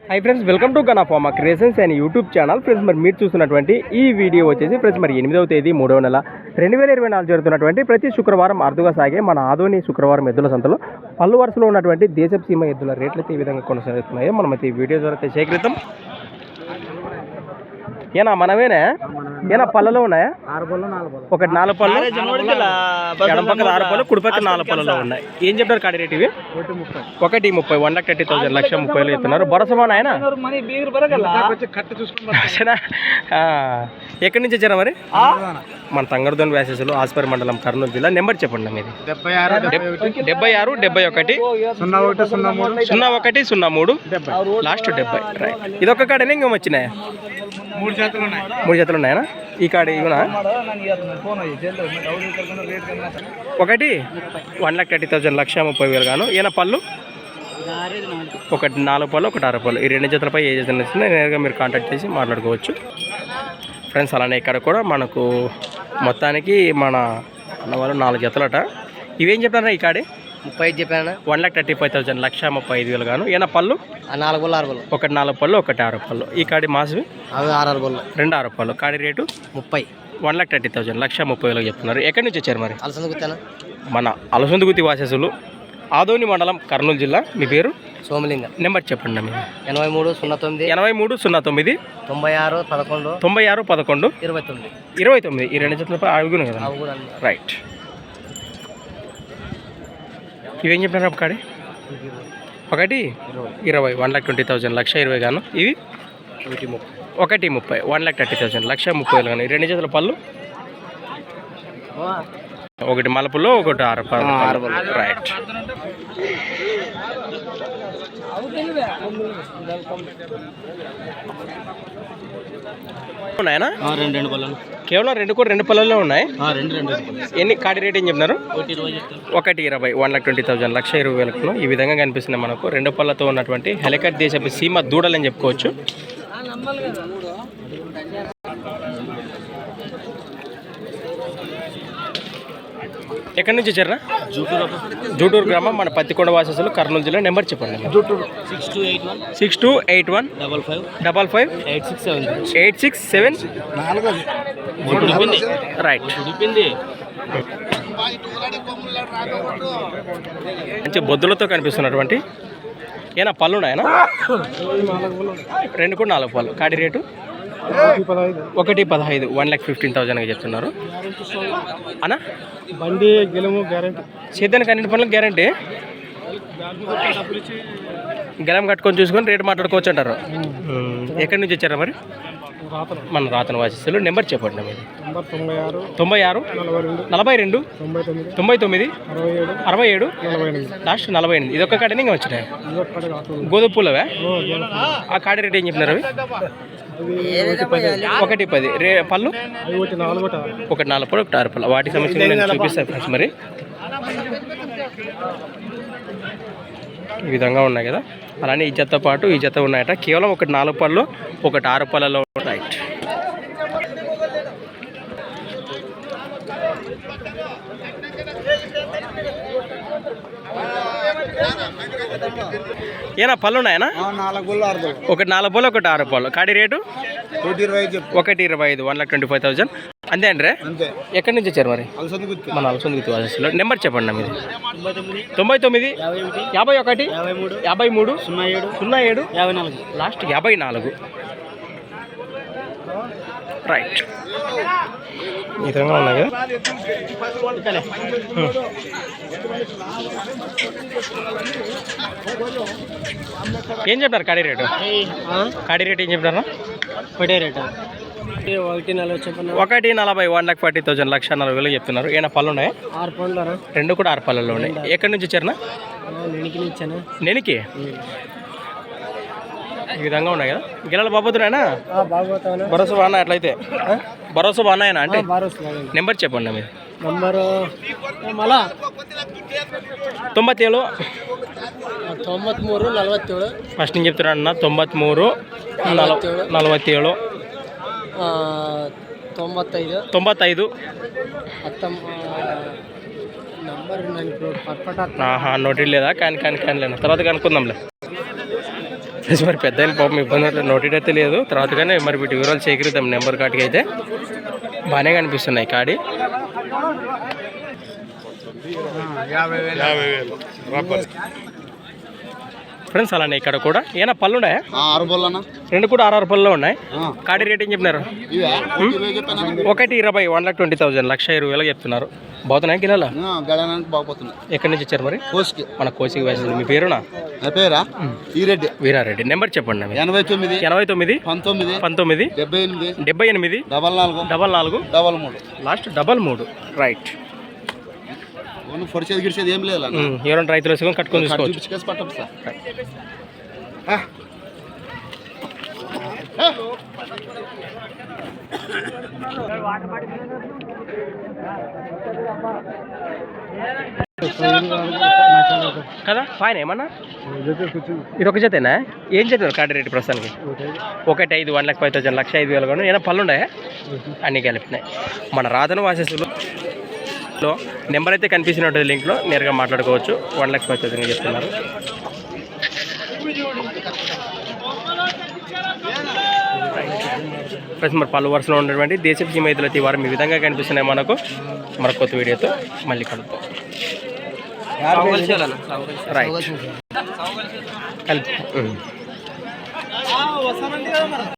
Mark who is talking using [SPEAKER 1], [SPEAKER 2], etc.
[SPEAKER 1] High friends, welcome to Gana pharma creations and YouTube channel. Friends, మరి మీరు చూస్తున్నటువంటి ఈ వీడియో వచ్చేసి ఫ్రెండ్స్ మరి 8వ తేదీ 3వ నెల 2024 జరుగుతున్నటువంటి ప్రతి శుక్రవారం అరుదుగా సాగే మన ఆదోని శుక్రవారం ఎద్దుల సంతలో పళ్ళు వరుసలో ఉన్నటువంటి దేశపు సీమ ఎద్దుల రేట్లు అయితే ఈ విధంగా కొనసాగుతున్నాయో మనమైతే ఈ వీడియో ద్వారా సేకరిద్దాం. ఏనా మనమేనా ఏనా పళ్ళలో ఉన్నాయా? ఒకటి 4 పళ్ళు, ఎడం పక్కన 6 పళ్ళు, కుడి పక్కన 4 పళ్ళలో ఉన్నాయి. ఏం చెప్తారు కాడి రేట్ ఇవి? 1,30,000 1,30,000 1,30,000 ఇస్తున్నారు. భరోసా ఆయన ఎక్కడి నుంచి వచ్చారా మరి? మన తంగరదోని వ్యాసెస్లో ఆస్పరి మండలం కర్నూలు జిల్లా. నెంబర్ చెప్పండి మీది. 76 71 01 03 లాస్ట్ 70. రైట్. ఇదొక కాడనే ఇంకేం వచ్చినాయా? 3 జతలు ఉన్నాయా? ఈ కాడ ఇవునా? ఒకటి 1,30,000 1,30,000 గాను. ఈయన పళ్ళు ఒకటి 4 పళ్ళు, ఒకటి 6 పళ్ళు. ఈ 2 జతలపై ఏ జత నచ్చినా నేరుగా మీరు కాంటాక్ట్ చేసి మాట్లాడుకోవచ్చు ఫ్రెండ్స్. అలానే ఇక్కడ కూడా మనకు మొత్తానికి మన అన్నవాళ్ళు 4 జతలట. ఇవేం చెప్పారా? ఈ కాడే
[SPEAKER 2] 35 చెప్పాను.
[SPEAKER 1] 1,35,000 1,35,000 గాను. ఏనా పళ్ళు
[SPEAKER 2] 4 పళ్ళు 6 పళ్ళు.
[SPEAKER 1] ఒకటి 4 పళ్ళు, ఒకటి 6 పళ్ళు. ఈ కాడి మాసవి
[SPEAKER 2] అవి 6 పళ్ళు,
[SPEAKER 1] 2 6 పళ్ళు. కాడి రేటు
[SPEAKER 2] 30.
[SPEAKER 1] 1,30,000 1,30,000 చెప్తున్నారు. ఎక్కడి నుంచి వచ్చారు మరి?
[SPEAKER 2] అలసందుకుతాను.
[SPEAKER 1] మన అలసందుగుతి వాసెసులు, ఆదోని మండలం, కర్నూలు జిల్లా. మీ పేరు?
[SPEAKER 2] సోమలింగ.
[SPEAKER 1] నెంబర్ చెప్పండి.
[SPEAKER 2] 83 09
[SPEAKER 1] 93 09
[SPEAKER 2] 96 11
[SPEAKER 1] 96 11 29. ఈ 2 జతలపై అడుగును కదా? రైట్. ఇవేం చెప్పినారు కాడి? ఒకటి 20 1,20,000 1,20,000 గాను. ఇవి 1,30 1,30,000 1,30,000 గాను. ఈ 2 జతల పళ్ళు ఒకటి మలపులో, ఒకటి 6 పళ్ళు. రైట్. ఉన్నాయనా? కేవలం 2 పళ్ళల్లో ఉన్నాయి. ఎన్ని కాడి రేట్ ఏం చెప్పినారు? 1,20 1,20,000 1,20,000. ఈ విధంగా కనిపిస్తుంది మనకు 2 పళ్ళతో ఉన్నటువంటి హెలికట్ దేశపు సీమ దూడలని చెప్పుకోవచ్చు. ఎక్కడి నుంచి వచ్చారా? జూటూరు గ్రామం, మన పత్తికొండ వాసెస్లు, కర్నూలు జిల్లా. నెంబర్ చెప్పండి. 6281 55 86 7. రైట్. మంచి బొద్దులతో కనిపిస్తున్నటువంటి ఏనా పళ్ళు ఉన్నాయనా? 2 కూడా 4 పళ్ళు. కాడి రేటు 1,15 1,15,000 చెప్తున్నారు అన్నా.
[SPEAKER 2] బండి గెలము గ్యారంటీ,
[SPEAKER 1] సేద్యానికి అన్నింటి పనులకు గ్యారంటీ. గెలం కట్టుకొని చూసుకొని రేటు మాట్లాడుకోవచ్చు అంటారు. ఎక్కడి నుంచి వచ్చారా మరి? మన రాతన వాసిస్తులు. నెంబర్ చెప్పండి. మీరు 96 42 99 67 లాస్ట్ 48. ఇది ఒక్క కాడనే ఇంకా వచ్చినాయి. గోధుమ పూలవే. ఆ కాడి రేట్ ఏం చెప్పినారు? 1,10. పళ్ళు ఒకటి 4 పళ్ళు, ఒకటి 6 పళ్ళు. వాటి సమస్యలు నేను చూపిస్తాను ఫ్రెండ్స్. మరి ఈ విధంగా ఉన్నాయి కదా. అలానే ఈ జతతో పాటు ఈ జత ఉన్నాయట. కేవలం ఒకటి 4 పళ్ళు, ఒకటి 6 పళ్ళలో. రైట్. ఏనా పళ్ళు ఉన్నాయనా? ఒకటి 4 పళ్ళు, ఒకటి 6 పళ్ళు. కాడి రేటు 1,20 1,25,000. అంతే అండి. ఎక్కడి నుంచి వచ్చారు మరి? మన అలసందుగుతి వాసెస్లో. నెంబర్ చెప్పండి. మీది 99 51 53 07 లాస్ట్ 54. రైట్. ఈ విధంగా ఉన్నాయి కదా. ఏం చెప్తారు కాడి రేటు? కాడి రేటు ఏం చెప్తారా?
[SPEAKER 2] ఒకటే రేటు
[SPEAKER 1] 1,40 1,40,000 1,40,000 చెప్తున్నారు. ఏమైనా పళ్ళు ఉన్నాయి?
[SPEAKER 2] 6 పళ్ళు.
[SPEAKER 1] 2 కూడా 6 పళ్ళలో ఉన్నాయి. ఎక్కడి నుంచి వచ్చారనా? నెనికి. ఈ విధంగా ఉన్నాయి కదా. గిల్లలు బాబోతున్నాయనా? భరోసా బాగున్నా? అట్లయితే భరోసా బాగున్నాయనా? అంటే నెంబర్ చెప్పండి. మీరు
[SPEAKER 2] నంబరు
[SPEAKER 1] 97
[SPEAKER 2] 93 47.
[SPEAKER 1] ఫస్ట్ నేను చెప్తున్నాను అన్న. 93 47 95 నోటీ లేదా? కానీ లేనా తర్వాత కనుక్కుందాంలే. మరి పెద్ద పాపం ఇబ్బంది నోటీడ్ అయితే లేదు తర్వాత కానీ మరి వీటి వివరాలు సేకరిద్దాం నెంబర్ కాటికి అయితే బాగానే కనిపిస్తున్నాయి కాడి. ఫ్రెండ్స్ అలానే ఇక్కడ కూడా ఏమైనా పళ్ళు ఉన్నాయా?
[SPEAKER 3] 6 పళ్ళనా?
[SPEAKER 1] రెండు కూడా 6 పళ్ళలో ఉన్నాయి. కాడి రేట్ ఏం చెప్పినారు? 1,20,000 1,20,000 1,20,000 చెప్తున్నారు. బాగుతున్నాయి కిలోలా?
[SPEAKER 3] గడనానికి బాగుపోతున్నాయి.
[SPEAKER 1] ఎక్కడి నుంచి వచ్చారు మరి?
[SPEAKER 3] కోసికి.
[SPEAKER 1] మన కోసికి వేసింది. మీ పేరునా?
[SPEAKER 3] నా పేరా ఈరెడ్డి.
[SPEAKER 1] వీరారెడ్డి. నెంబర్ చెప్పండి.
[SPEAKER 3] 89
[SPEAKER 1] 89
[SPEAKER 3] 19
[SPEAKER 1] 19
[SPEAKER 3] 78
[SPEAKER 1] 78
[SPEAKER 3] 44
[SPEAKER 1] 44
[SPEAKER 3] 33
[SPEAKER 1] లాస్ట్ 33. రైట్.
[SPEAKER 3] పొడిచేది గిడిచేది ఏం లేదు.
[SPEAKER 1] ఎవరైనా రైతులు వేసుకొని కట్టుకొని చూసుకోవచ్చు.
[SPEAKER 3] చూపించుకేసి పట్టం సార్.
[SPEAKER 1] కదా ఫైన్ ఏమన్నా ఇది ఒక జతేనా? ఏం చెప్పారు కాడి రేటు ప్రస్తుతానికి? 1,5 1,05,000 1,05,000 కూడా ఏమైనా పళ్ళు ఉన్నాయా? అన్నీ కలిపినాయి. మన రాతను వాసేసులో నెంబర్ అయితే కనిపిస్తూనే ఉంటుంది లింక్లో, నేరుగా మాట్లాడుకోవచ్చు. 1,05,000 చెప్తున్నారు. ప్లస్ మరి పలు వరుసలో ఉన్నటువంటి దేశపు సీమైతులు అయితే ఈ వారం ఈ విధంగా కనిపిస్తున్నాయి మనకు. మరొక కొత్త వీడియోతో మళ్ళీ కలుద్దాం. రైట్.